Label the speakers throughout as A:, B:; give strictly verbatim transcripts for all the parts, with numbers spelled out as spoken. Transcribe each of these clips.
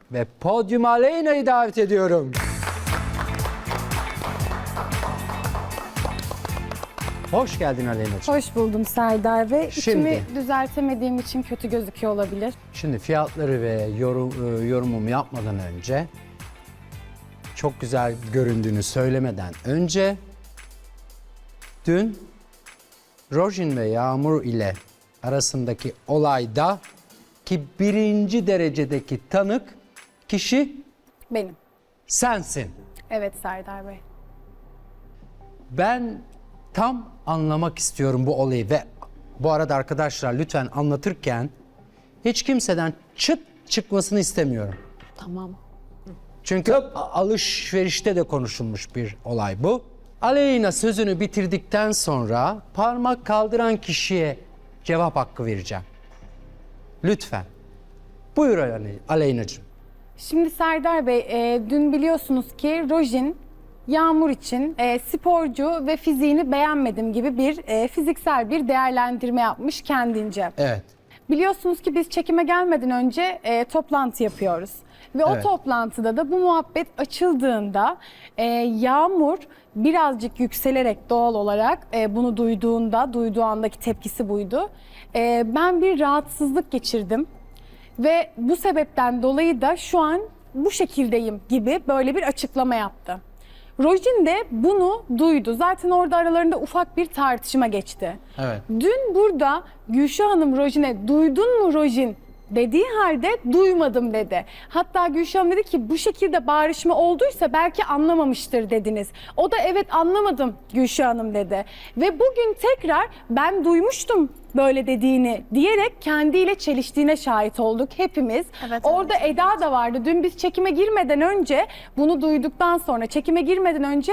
A: ve podyuma Aleyna'yı davet ediyorum. Hoş geldin Aleyna'cığım.
B: Hoş buldum Serdar ve
A: Şimdi-
B: içimi düzeltemediğim için kötü gözüküyor olabilir.
A: Şimdi fiyatları ve yorum, e, yorumumu yapmadan önce, çok güzel göründüğünü söylemeden önce, dün Rojin ve Yağmur ile arasındaki olayda ki birinci derecedeki tanık kişi
B: Benim.
A: sensin.
B: Evet Serdar Bey.
A: Ben tam anlamak istiyorum bu olayı ve bu arada arkadaşlar lütfen anlatırken hiç kimseden çıt çıkmasını istemiyorum.
B: Tamam.
A: Çünkü alışverişte de konuşulmuş bir olay bu. Aleyna sözünü bitirdikten sonra parmak kaldıran kişiye cevap hakkı vereceğim. Lütfen. Buyur Ale- Aleyna'cığım.
B: Şimdi Serdar Bey, e, dün biliyorsunuz ki Rojin Yağmur için e, sporcu ve fiziğini beğenmedim gibi bir e, fiziksel bir değerlendirme yapmış kendince.
A: Evet.
B: Biliyorsunuz ki biz çekime gelmeden önce e, toplantı yapıyoruz. Ve
A: Evet.
B: o toplantıda da bu muhabbet açıldığında e, Yağmur birazcık yükselerek doğal olarak e, bunu duyduğunda, duyduğu andaki tepkisi buydu. E, ben bir rahatsızlık geçirdim ve bu sebepten dolayı da şu an bu şekildeyim gibi böyle bir açıklama yaptı. Rojin de bunu duydu. Zaten orada aralarında ufak bir tartışma geçti.
A: Evet.
B: Dün burada Gülşah Hanım Rojin'e duydun mu Rojin dediği halde duymadım dedi. Hatta Gülşah Hanım dedi ki bu şekilde bağırışma olduysa belki anlamamıştır dediniz. O da evet anlamadım Gülşah Hanım dedi. Ve bugün tekrar ben duymuştum böyle dediğini diyerek kendiyle çeliştiğine şahit olduk hepimiz.
C: Evet,
B: Orada
C: evet.
B: Eda da vardı. Dün biz çekime girmeden önce bunu duyduktan sonra çekime girmeden önce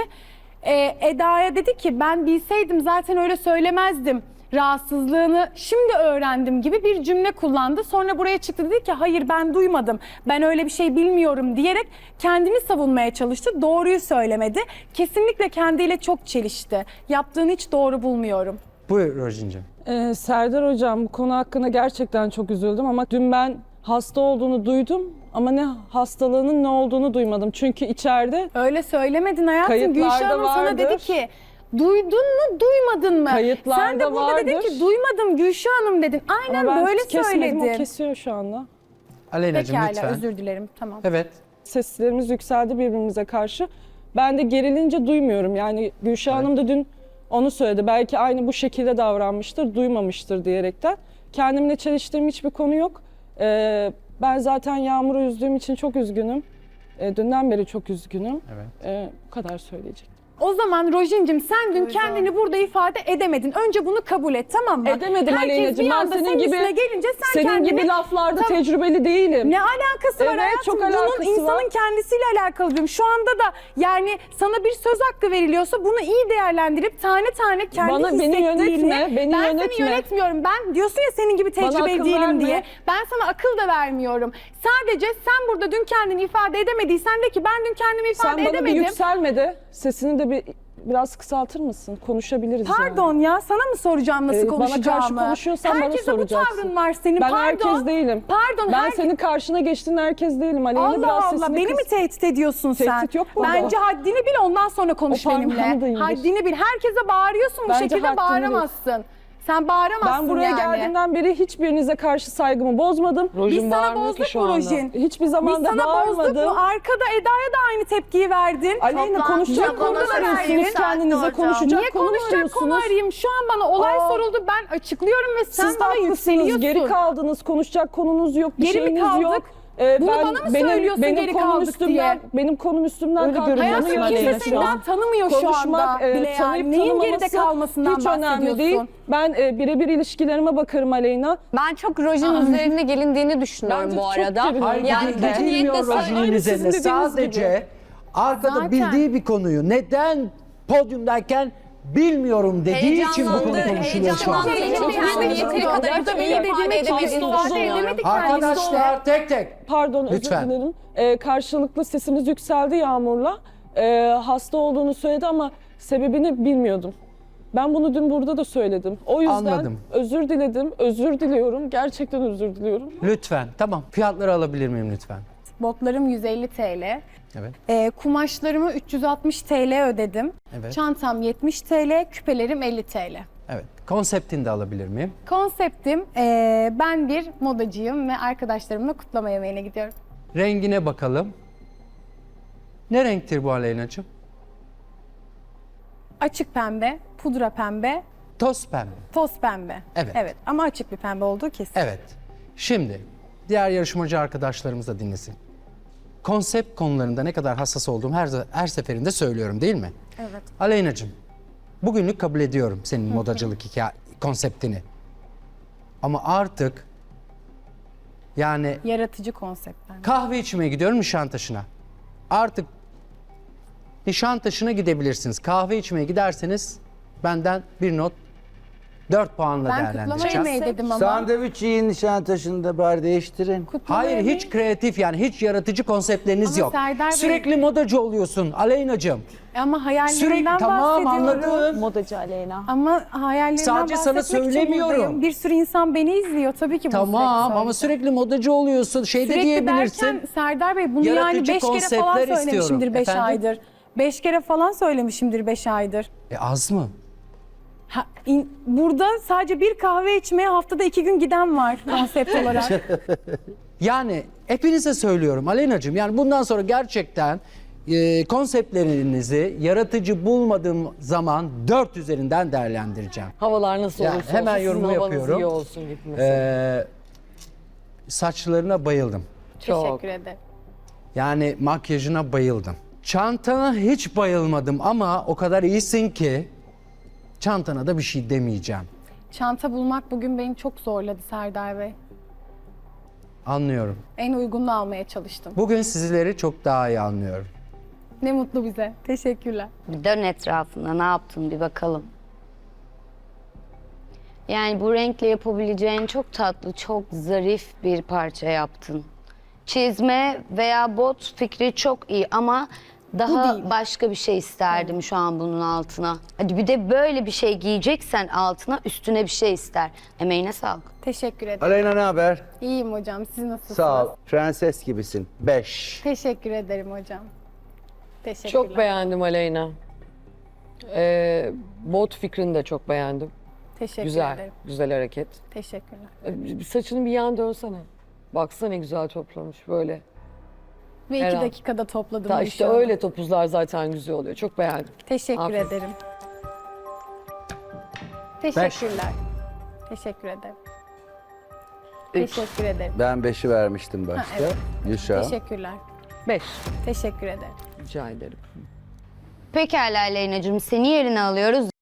B: e, Eda'ya dedi ki ben bilseydim zaten öyle söylemezdim. Rahatsızlığını şimdi öğrendim gibi bir cümle kullandı. Sonra buraya çıktı dedi ki hayır ben duymadım. Ben öyle bir şey bilmiyorum diyerek kendini savunmaya çalıştı. Doğruyu söylemedi. Kesinlikle kendiyle çok çelişti. Yaptığını hiç doğru bulmuyorum.
A: Buyur Rojin'cim.
D: Ee, Serdar Hocam bu konu hakkında gerçekten çok üzüldüm ama dün ben hasta olduğunu duydum ama ne hastalığının ne olduğunu duymadım. Çünkü içeride
B: Öyle söylemedin hayatım.
D: Kayıtlarda
B: Gülşah Hanım sana
D: vardır.
B: dedi ki duydun mu duymadın mı?
D: Kayıtlarda
B: Sen de burada dedin
D: vardır.
B: ki duymadım Gülşah Hanım dedin. Aynen
D: ama ben
B: böyle
D: kesmedim, o
B: söyledin.
D: kesiyor şu anda.
A: Aleyna'cığım
B: Pekala
A: lütfen.
B: özür dilerim tamam.
A: Evet.
D: Seslerimiz yükseldi birbirimize karşı. Ben de gerilince duymuyorum. Yani Gülşah
A: Evet.
D: Hanım da dün onu söyledi. Belki aynı bu şekilde davranmıştır, duymamıştır diyerekten. Kendimle çeliştiğim hiçbir konu yok. Ee, ben zaten Yağmur'u üzdüğüm için çok üzgünüm. Ee, dünden beri çok üzgünüm.
A: Evet.
D: Ee, bu kadar söyleyecektim.
B: O zaman Rojin'cim sen dün kendini burada ifade edemedin. Önce bunu kabul et tamam mı?
D: Edemedim
B: Herkes
D: Aleyna'cığım.
B: bir
D: Ben
B: anda
D: senin gibi
B: üstüne gelince sen
D: senin
B: kendini...
D: gibi laflarda
B: Tamam.
D: tecrübeli değilim.
B: Ne alakası var
D: Evet,
B: hayatım?
D: çok
B: Bunun
D: alakası
B: insanın
D: var.
B: kendisiyle alakalı diyorum. Şu anda da yani sana bir söz hakkı veriliyorsa bunu iyi değerlendirip tane tane kendi
D: Bana- beni
B: hissettiğini...
D: yönetme, beni
B: ben
D: yönetme.
B: seni yönetmiyorum. Ben diyorsun ya senin gibi
D: Bana
B: tecrübeli
D: akıl
B: değilim
D: verme.
B: diye. Ben sana akıl da vermiyorum. Sadece sen burada dün kendini ifade edemediysen de ki ben dün kendimi ifade
D: Sen bana
B: edemedim.
D: bir yükselme de sesini de bir biraz kısaltır mısın? Konuşabiliriz yani.
B: Pardon ya sana mı soracağım nasıl
D: Ee, bana
B: konuşacağımı?
D: karşı konuşuyorsan bana
B: Herkese
D: soracaksın.
B: bu tavrın var senin.
D: Ben
B: Pardon.
D: herkes değilim.
B: Pardon.
D: Ben
B: herkes-
D: senin karşına geçtiğin herkes değilim. Aleyna
B: Allah
D: biraz
B: Allah
D: sesini
B: beni
D: kıs.
B: mi tehdit ediyorsun sen?
D: Tehdit yok burada.
B: Bence haddini bil ondan sonra konuş
D: O parmağını
B: benimle.
D: da indir.
B: Haddini bil. Herkese bağırıyorsun bu
D: Bence
B: şekilde
D: haddini
B: bağıramazsın. Sen bağıramazsın
D: Ben buraya
B: yani.
D: geldiğimden beri hiçbirinize karşı saygımı bozmadım.
B: Biz sana bozduk mu Rojin?
D: Hiçbir
B: Biz
D: zaman da
B: sana bozduk
D: bağırmadım.
B: mu? Arkada Eda'ya da aynı tepkiyi verdin.
D: Aleyna konuşacak
B: Toplantıda
D: konu
B: da
D: arıyorsunuz
B: verdin.
D: kendinize
C: Hocam.
D: konuşacak
B: Niye
D: konu mu
B: konuşacak konu
D: arıyorsunuz?
B: arayayım? Şu an bana olay
D: Aa.
B: soruldu ben açıklıyorum ve sen
D: Siz de
B: bana
D: haklısınız,
B: yükseliyorsun.
D: geri kaldınız, konuşacak konunuz yok, bir
B: Geri mi
D: şeyiniz
B: kaldık?
D: yok. Ee,
B: Bunu bana mı söylüyorsun
D: benim
B: geri
D: konum
B: kaldık
D: üstümden,
B: diye?
D: Benim konum üstümden
C: Öyle
D: kalkmanı
C: görünüyor.
B: Hayatım
C: Aleyna
B: kimse
C: şu
B: senden
C: an.
B: tanımıyor şu anda
D: Konuşmak, e,
B: bile
D: tanıyıp
B: yani. Neyin geride
D: tanımaması
B: kalmasından
D: hiç önemli değil.
B: bahsediyorsun?
D: Ben e, birebir ilişkilerime bakarım Aleyna.
C: Ben çok Rojin üzerine gelindiğini düşünüyorum
D: Bence
C: bu
D: çok
C: arada.
D: gerildim.
A: Hayır,
C: Yani
A: yani
C: kötü niyetle
A: gidilmiyor
C: say-
A: Rojin'in
D: Aynı
A: üzerine.
D: sizin dediğiniz
A: Sadece
D: gibi.
A: arkada
B: Zaten.
A: bildiği bir konuyu neden podyumdayken bilmiyorum dediği için bu konu
C: Heyecanlandı,
A: konuşuluyor şu an.
C: heyecanlandı.
B: Çok
C: Kendini
B: üzüldüm.
C: yeteri kadar
B: Gerçekten
C: iyi
B: iyi
C: ifade
B: dediğim için
C: edemediğini
B: ifade
C: düşünüyorum.
B: edemedi kendisi.
A: Arkadaşlar tek tek.
D: Pardon
A: Lütfen.
D: özür dilerim. Ee, karşılıklı sesimiz yükseldi Yağmur'la. Ee, hasta olduğunu söyledi ama sebebini bilmiyordum. Ben bunu dün burada da söyledim. O yüzden
A: Anladım.
D: özür diledim, özür diliyorum. Gerçekten özür diliyorum.
A: Lütfen. Tamam. Fiyatları alabilir miyim lütfen?
B: Botlarım yüz elli T L.
A: Evet.
B: Ee, kumaşlarımı üç yüz altmış T L ödedim.
A: Evet.
B: Çantam yetmiş T L, küpelerim elli T L.
A: Evet. Konseptini de alabilir miyim?
B: Konseptim, ee, ben bir modacıyım ve arkadaşlarımla kutlama yemeğine gidiyorum.
A: Rengine bakalım. Ne renktir bu Aleyna'cığım?
B: Açık pembe, pudra pembe,
A: Toz pembe.
B: toz pembe.
A: Evet.
B: Evet ama açık bir pembe olduğu kesin.
A: Evet. Şimdi diğer yarışmacı arkadaşlarımız da dinlesin. Konsept konularında ne kadar hassas olduğumu her, her seferinde söylüyorum değil mi?
B: Evet.
A: Aleyna'cığım, bugünlük kabul ediyorum senin modacılık hikaye, konseptini. Ama artık yani
B: Yaratıcı konseptler.
A: kahve içmeye gidiyorum Nişantaşı'na. Artık Nişantaşı'na gidebilirsiniz. Kahve içmeye giderseniz benden bir not dört puanla
B: Ben kutlama
A: değerlendireceğim.
B: yemeği dedim ama.
E: Sandviç yiyin Nişantaşı'nda bari değiştirin.
B: Kutlama
A: Hayır,
B: yemeği-
A: hiç kreatif yani hiç yaratıcı konseptleriniz
B: Ama
A: yok.
B: Serdar Bey-
A: Sürekli modacı oluyorsun Aleyna'cığım.
B: Ama hayallerimden
A: Sürekli tamam
B: bahsediyorum.
A: anladım.
C: Modacı Aleyna.
B: Ama hayallerimden
A: Sadece sana
B: bahsetmek için
A: söylemiyorum.
B: buradayım. Bir sürü insan beni izliyor. Tabii ki bunu
A: Tamam
B: sürekli
A: ama
B: söyleyeceğim.
A: sürekli modacı oluyorsun. Şey de
B: Sürekli
A: diyebilirsin.
B: derken Serdar Bey bunu yani
A: Yaratıcı
B: beş kere falan
A: konseptler
B: söylemişimdir
A: istiyorum.
B: beş
A: Efendim?
B: aydır. Beş kere falan söylemişimdir beş aydır.
A: E az mı?
B: Ha, in- burada sadece bir kahve içmeye haftada iki gün giden var konsept olarak.
A: Yani hepinize söylüyorum Aleyna'cığım. Yani bundan sonra gerçekten e, konseptlerinizi yaratıcı bulmadığım zaman dört üzerinden değerlendireceğim.
F: Havalar nasıl
A: Yani
F: olursa
A: hemen
F: olsun, sizin
A: yorumu
F: havanız
A: yapıyorum.
F: iyi olsun gibi mesela.
A: Ee, saçlarına bayıldım.
F: Çok.
B: Teşekkür ederim.
A: Yani makyajına bayıldım. Çantana hiç bayılmadım ama o kadar iyisin ki çantana da bir şey demeyeceğim.
B: Çanta bulmak bugün beni çok zorladı Serdar Bey.
A: Anlıyorum.
B: En uygununu almaya çalıştım.
A: Bugün sizleri çok daha iyi anlıyorum.
B: Ne mutlu bize. Teşekkürler.
G: Bir dön etrafına ne yaptın bir bakalım. Yani bu renkle yapabileceğin çok tatlı, çok zarif bir parça yaptın. Çizme veya bot fikri çok iyi ama daha
B: değil.
G: başka bir şey isterdim şu an bunun altına. Hadi bir de böyle bir şey giyeceksen altına üstüne bir şey ister. Emeğine sağlık.
B: Teşekkür ederim.
E: Aleyna ne haber?
B: İyiyim hocam. Siz nasılsınız?
E: Sağ ol. Prenses gibisin. Beş.
B: Teşekkür ederim hocam. Teşekkürler.
F: Çok beğendim Aleyna. Ee, bot fikrini de çok beğendim.
B: Teşekkür
F: Güzel,
B: ederim.
F: güzel hareket.
B: Teşekkürler.
F: Ee, Saçını bir yan dönsene. Baksana ne güzel toplamış böyle.
B: Ve iki
F: Herhalde.
B: dakikada topladım.
F: Ta
B: bu
F: işte
B: işi.
F: öyle topuzlar zaten güzel oluyor. Çok beğendim.
B: Teşekkür
F: Aferin.
B: ederim. Teşekkürler. Teşekkür ederim. Teşekkür ederim.
E: Ben beşi vermiştim başta.
B: Ha, evet.
E: Gülşah.
B: Teşekkürler.
F: Beş.
B: Teşekkür ederim.
F: Rica ederim.
G: Pekala Aleyna'cığım seni yerine alıyoruz.